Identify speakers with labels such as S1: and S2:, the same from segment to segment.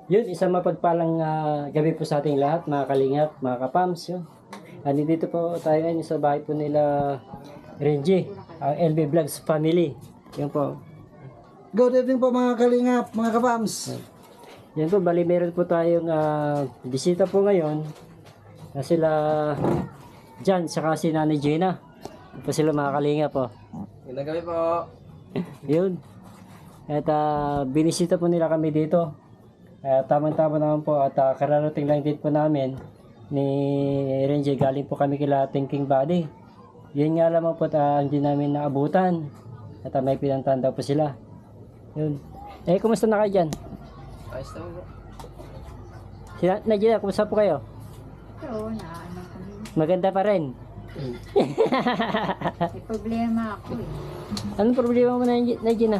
S1: Yun, isang mapagpalang gabi po sa ating lahat, mga kalingap, mga kapams. Yun. Dito po tayo ngayon sa bahay po nila Renji, ang LB Vlogs family. Yun po.
S2: Good evening po mga kalingap, mga kapams.
S1: Yan po, bali meron po tayong bisita po ngayon na sila Jan, saka si Nanay Gina. Ito sila mga kalingap po.
S3: Magandang gabi po.
S1: Yun. At binisita po nila kami dito. Tamang-tama naman po at kararating lang din po namin ni Renji. Galing po kami kila Thinking Body. Yun nga lamang po hindi namin naabutan. At may pinantahan daw po sila. Yun. Kumusta na kayo dyan?
S3: Ayos naman po.
S1: Najina, kumusta po kayo?
S4: Oo, naano kami.
S1: Maganda pa rin.
S4: May problema ako eh.
S1: Anong problema mo na Najina?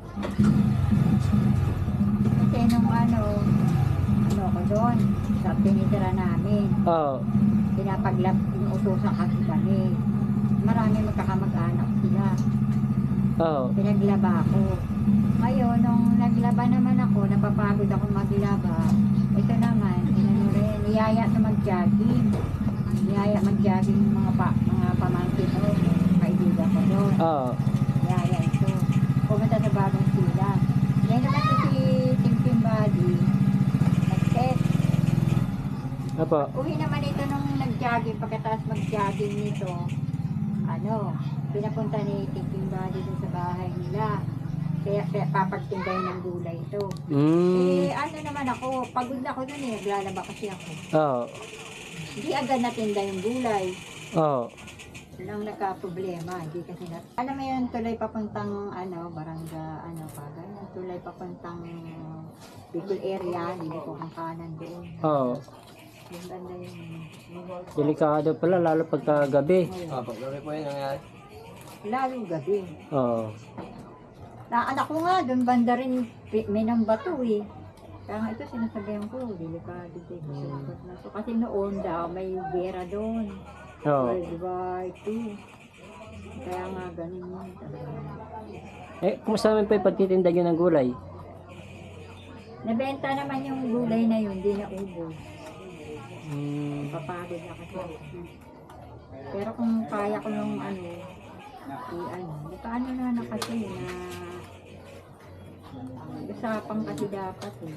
S4: Kasi nung ano ko doon, sa tinitira namin,
S1: Oo.
S4: inuutosan kasi kami. Marami magkakamag-anak sila.
S1: Oo.
S4: Pinaglaba ako. Ngayon, nung naglaba naman ako, napapagod ako maglaba. Ito naman, niyaya sa mag-jogging. Niyaya mag-jogging yung mga pamangkin ko, kaibigan ko doon.
S1: Oo.
S4: Niyaya ito. Pumunta sa bagong sila. Ngayon naman si Thinking Body, nag-set.
S1: Opo.
S4: Uwi naman ito nung nag-jogging, pagkatapos mag-jogging nito, pinapunta ni Thinking Body dun sa bahay nila. Kaya papagtindahin ng gulay ito. Ano naman ako, pagod na ako dun eh, naglalaba kasi ako.
S1: Oo.
S4: Hindi agad natinda yung gulay.
S1: Oo.
S4: Yun ang nagka-problema, hindi kasi alam mo yun, tuloy papuntang barangay, ganyan, tuloy papuntang Bicol area, hindi ko ang kanan doon.
S1: Oo.
S4: Yung banda yun.
S1: Delikado pala, lalo pagka gabi.
S3: Pag gabi po yun nangyari.
S4: Lalo gabi.
S1: Oo.
S4: Na anak ko nga, doon banda rin, may nang bato eh. Kaya nga ito sinasabihan ko, delikado dito. So, kasi noon daw, may gera doon.
S1: Oo.
S4: World War II. Kaya nga ganun yun.
S1: Kumusta naman po yung pagtitinda nyo ng gulay?
S4: Nabenta naman yung gulay na yun, hindi na ubos. Papagod na kasi. Pero kung kaya ko nung paano na kasi na usapang kasi dapat eh.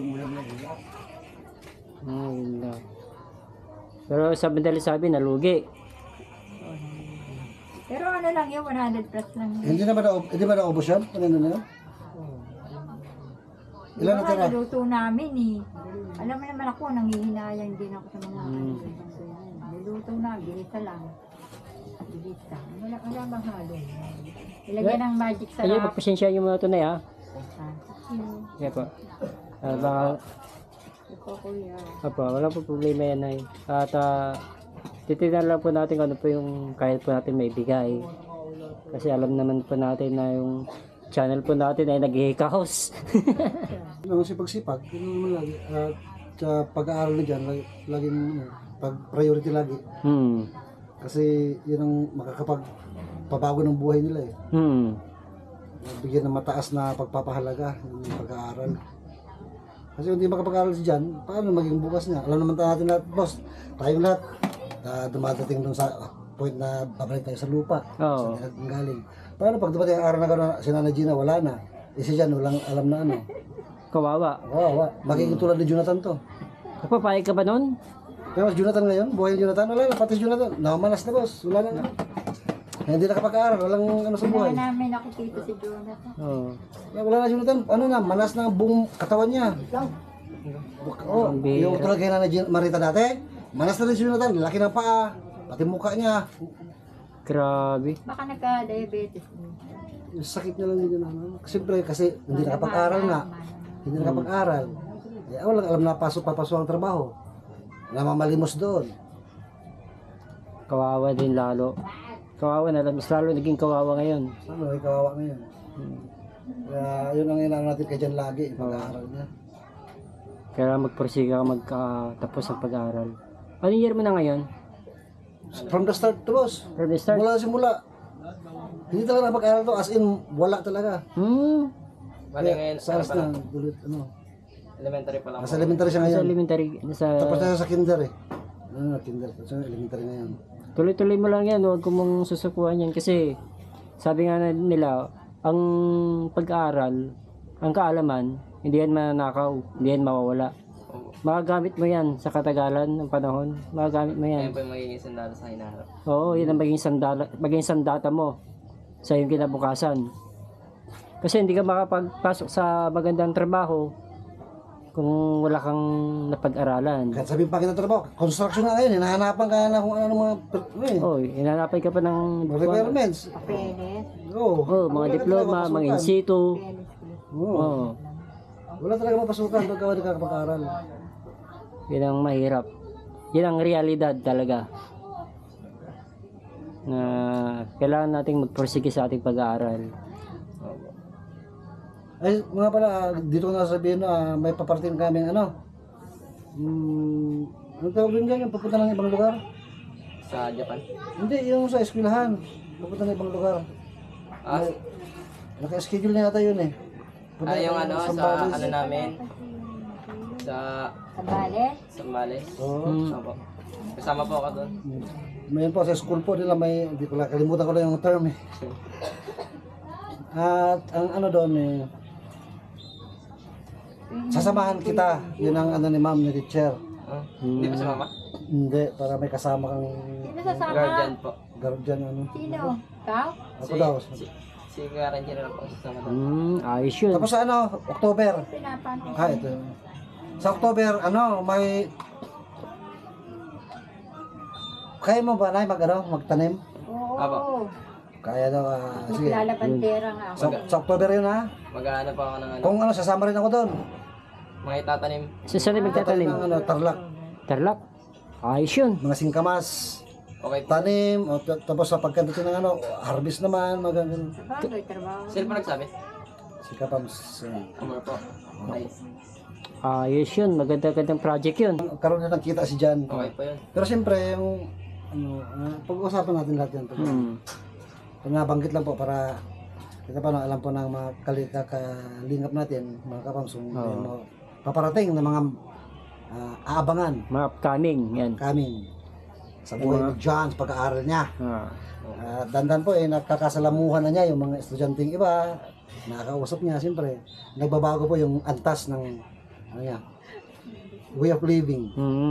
S1: Yun lang. Pero sa sabi, nalugi.
S4: Pero ano lang yun, 100 plus lang yun.
S2: Hindi ba naubos yan? Ano na yan? Ilan na tira?
S4: Niluto namin eh. Alam mo naman ako, nangihinayang din ako sa mga niluto na, ginisa lang. Ginisa. Wala bang halo. Ilagyan ng magic sarap.
S1: Ayun, pagpasensya nyo muna ito na ha. Kaya po. Baka,
S4: Ito kuya.
S1: wala po problema yan ay. At titignan lang po natin kung ano po yung kaya po natin may bigay. Kasi alam naman po natin na yung channel po natin ay nag-i-house.
S2: Ang sipag-sipag, yun naman lagi. At sa pag-aaral na dyan, laging pag-priority lagi. Kasi yun ang makakapagpabago ng buhay nila eh. Bigyan ng mataas na pagpapahalaga yung pag-aaral. Kasi kung hindi makapag-aaral si Jan, paano maging bukas niya? Alam naman natin lahat, boss, tayong lahat, dumadating dun sa point na babalik tayo sa lupa.
S1: Oo.
S2: Sa galing. Paano pag dumating ang araw na gano'n, si Nana Gina wala na. Si Jan walang alam na ano.
S1: Kawawa.
S2: Wow. Magiging tulad ni Jonathan to.
S1: Papayag ka ba nun?
S2: Pero si Jonathan ngayon, buhay ni Jonathan, wala na, pati si Jonathan, nakamanas na boss, wala na. Hindi nakapag-aaral, walang ano sa buhay.
S4: Kaya namin nakikita si Jonathan.
S1: Oo.
S2: Wala na Jonathan, manas na ang buong katawan niya. Oh,
S1: Ang bihira.
S2: yung tulad kay Nana Marita dati, manas na rin si Jonathan, laki ng paa, pati mukha niya.
S1: Grabe.
S4: Baka nagka-diabetes.
S2: Yung sakit niya lang din yun. Siyempre kasi hindi nakapag-aral nga. Hindi nakapag-aral. Walang alam na papasok ang trabaho. Namamalimos doon.
S1: Kawawa din lalo. Kawawa na lang. Mas lalo naging kawawa ngayon.
S2: Ano, ay kawawa na yun. Kaya yun ang inaano natin kay Jan lagi, pag-aaral niya.
S1: Kaya magprosiga ka magkatapos ng pag-aaral. Anong year mo na ngayon?
S2: From the start to boss.
S1: From the start?
S2: Mula simula. Hindi talaga napag-aaral to, as in, wala talaga.
S1: Hmm.
S3: Bali ngayon,
S2: Sa na, ulit, ano.
S3: Elementary pa lang
S2: Nasa
S3: po.
S2: elementary siya
S1: Sa
S2: ngayon.
S1: elementary,
S2: Tapos
S1: nasa...
S2: na sa kinder eh. Kinder. Tapos na elementary ngayon.
S1: Tuloy-tuloy mo lang yan, huwag ko mong susukuhan yan kasi sabi nga nila, ang pag-aaral, ang kaalaman, hindi yan mananakaw, hindi yan mawawala.
S3: Opo.
S1: Magagamit mo yan sa katagalan ng panahon, magagamit mo yan.
S3: Yan po yung magiging sandalo sa hinaharap.
S1: Oo, yun ang maging sandata mo sa iyong kinabukasan. Kasi hindi ka makapagpasok sa magandang trabaho kung wala kang napag-aralan.
S2: Kahit sabihin pa kita trabaho, construction na ngayon, hinahanapan ka na kung ano mga
S1: Oh, inanapay ka pa ng
S2: requirements.
S4: Papeles.
S2: Oo.
S1: oh, mga diploma, mga in situ.
S2: Oo.
S1: Oh,
S2: Wala talaga mapasukan pagka wala ka kapag-aral.
S1: yun ang mahirap. Yun ang realidad talaga. Na kailangan nating magpursige sa ating pag-aaral.
S3: Opo.
S2: Ay, mga pala, dito ko na sabihin na may paparating kaming ano. Ano tawag din dyan? Yung pupunta ng ibang lugar?
S3: Sa Japan.
S2: Hindi, yung sa eskwelahan. Pupunta ng ibang lugar.
S3: Ah,
S2: Naka-schedule na yata yun eh. Punta
S3: yung
S2: ng
S3: ano, sa
S2: Sambales.
S3: ano namin. Sa
S4: Sambales.
S3: Sambales.
S2: Oo.
S3: Opo. Kasama po ako doon.
S2: Mayroon po sa school po nila may, hindi ko lang, kalimutan ko lang yung term eh. At ang ano doon eh, sasamahan kita. Yun ang ano ni ma'am, ni teacher.
S3: Ah, Hindi pa sumama?
S2: Hindi, para may kasama kang
S4: Sino sasama?
S3: Guardian po.
S2: guardian ano.
S4: Sino? Ikaw?
S2: Ako daw.
S3: Si Guardian na po kasama doon.
S1: Ayos yun.
S2: Tapos sa ano, October.
S4: Pinapansin.
S2: Ito. Sa October, ano, may... Kaya mo ba na magtanim?
S4: Oo.
S3: Apo.
S2: Kaya daw, sige.
S4: Maglalabandera nga ako.
S2: Sa October yun ha.
S3: Mag-aano pa ako ng ano.
S2: Kung ano, sasama rin ako doon.
S3: Mga itatanim.
S1: Sa saan magtatanim?
S2: Ng ano, tarlak.
S1: Tarlac. Ayos yun.
S2: Mga singkamas.
S3: Okay po.
S2: Tanim. O, tapos sa pagkandating ng ano, harvest naman. Mga ganun.
S4: Sabagay, trabaho.
S3: Sino pa nagsabi?
S2: Singkapams.
S3: Amor po. Okay.
S1: Ayos yun. Maganda-gandang project yun.
S2: Karoon na ng kita si Jan.
S3: Okay po yun.
S2: Pero siyempre, yung ano, pag-uusapan natin lahat yan. Pag nabanggit lang po para kita pa alam po ng mga kalingap natin, mga kapams, yung paparating na mga aabangan
S1: Mga upcoming. Yan.
S2: coming sa buhay ni John sa pag-aaral niya. Dandan po nakakasalamuhan na niya yung mga estudyanteng iba, nakakausap niya siyempre. Nagbabago po yung antas ng ano niya, way of living.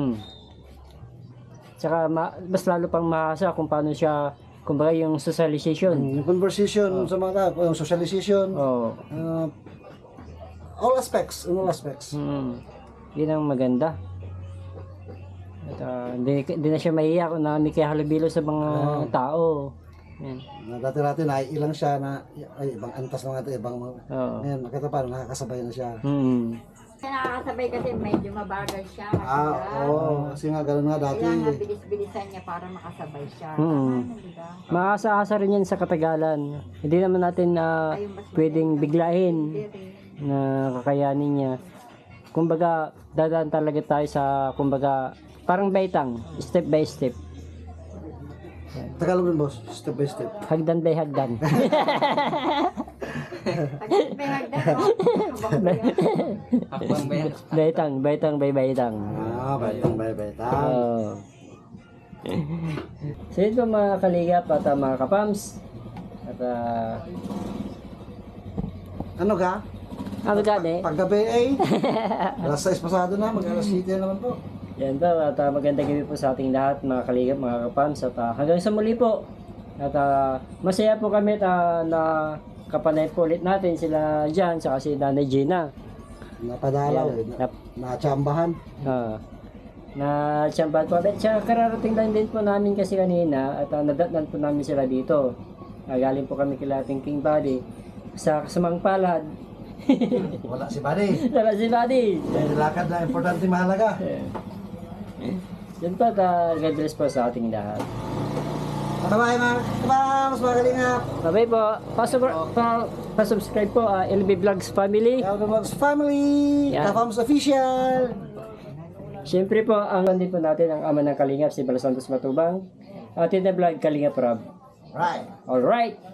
S1: Tsaka mas lalo pang maasa kung paano siya, kumbaga yung socialization.
S2: Yung conversation sa mga tao, yung socialization,
S1: Oh.
S2: all aspects, in all aspects.
S1: Yun ang maganda. At hindi na siya mahiya kung nakikihalubilo sa mga tao. Yan.
S2: Na dati-dati naiilang siya na ay ibang antas mga ito, ibang mga
S1: Oo.
S2: ngayon nakita pa nakakasabay na siya.
S4: Nakakasabay kasi medyo mabagal siya.
S2: Oo, kasi nga gano'n nga dati.
S4: Kailangan bilis-bilisan niya para makasabay siya. Diba?
S1: Maasa-asa rin yan sa katagalan. Hindi naman natin pwedeng biglain na kakayanin niya. Kumbaga, dadaan talaga tayo sa, kumbaga, parang baitang, step by step.
S2: Tagalog rin boss, step by step.
S1: Hagdan by hagdan.
S4: May hagdan, no?
S3: Hakbang ba yan?
S1: baitang by baitang.
S2: Baitang, baitang.
S1: So ito mga kaligap at mga kapams. At
S2: Ano ka?
S1: ano gani?
S2: Paggabi ay, alas 6 pasado na, mag-alas 7 na naman po.
S1: Yan po, at magandang gabi po sa ating lahat mga kaligap, mga kapams. At hanggang sa muli po. At masaya po kami at na kapanay po ulit natin sila dyan, saka si Nanay Gina.
S2: Napadalaw, natsambahan.
S1: Na tsambahan po. At siya kararating lang din po namin kasi kanina at nadatnan po namin sila dito. Galing po kami kila ating King Buddy sa kasamang palad.
S2: Wala si Buddy.
S1: Wala si Buddy.
S2: Lakad na importante mahalaga.
S1: Yan po, God bless po sa ating lahat.
S2: Bye-bye mga kapams, mga kalingap.
S1: Bye po. Pa-subscribe po, LB Vlogs Family.
S2: Vlogs Family,
S1: Yan.
S2: Kapams Official.
S1: Siyempre po, ang din po natin ang ama ng Kalingap, si Bala Santos Matubang. Atin na vlog, Kalingap Rob.
S2: Right.
S1: Alright.